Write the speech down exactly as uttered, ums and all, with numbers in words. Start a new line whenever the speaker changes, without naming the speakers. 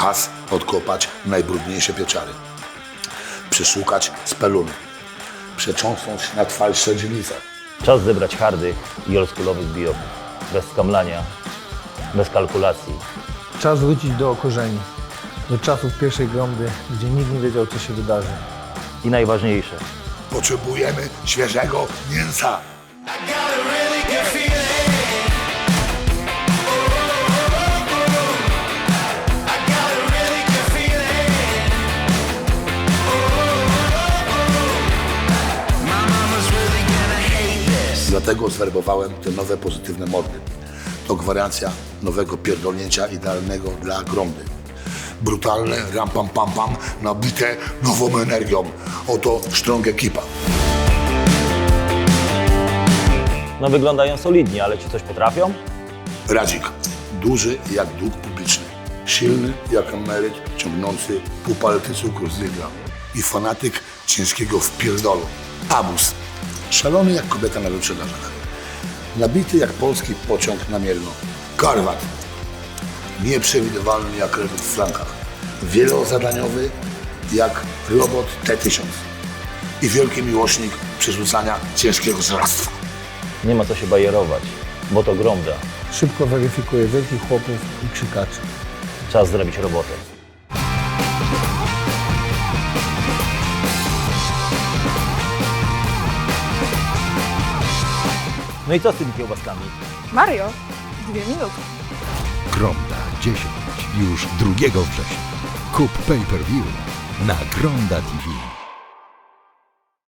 Czas odkopać najbrudniejsze pieczary. Przeszukać speluny. Przecząsnąć na twardsze dzielnice.
Czas zebrać hardych i oldschoolowych bijowów. Bez skamlania, bez kalkulacji.
Czas wrócić do korzeni, do czasów pierwszej gromdy, gdzie nikt nie wiedział, co się wydarzy.
I najważniejsze,
Potrzebujemy świeżego mięsa. Dlatego zwerbowałem te nowe pozytywne mordy. To gwarancja nowego pierdolnięcia idealnego dla gromdy. Brutalne, ram pam pam pam, nabite nową energią. Oto Strong Ekipa.
no wyglądają solidnie, ale czy coś potrafią?
Radzik. Duży jak dług publiczny. Silny jak emeryt ciągnący pół palety cukru z Lidla. I fanatyk ciężkiego wpierdolu. Abus. Szalony jak kobieta na wyprzedażach. Nabity jak polski pociąg na Mielno. Karwat. Nieprzewidywalny jak rewód w flankach. Wielozadaniowy jak robot T tysiąc. I wielki miłośnik przerzucania ciężkiego żrastwa.
Nie ma co się bajerować, bo to gromda.
Szybko weryfikuje wielkich chłopów i krzykaczy.
Czas zrobić robotę. No i co z tymi kiełbaskami?
Mario, dwie minuty.
Gromda dziesięć już drugiego września. Kup pay-per-view na Gromda T V.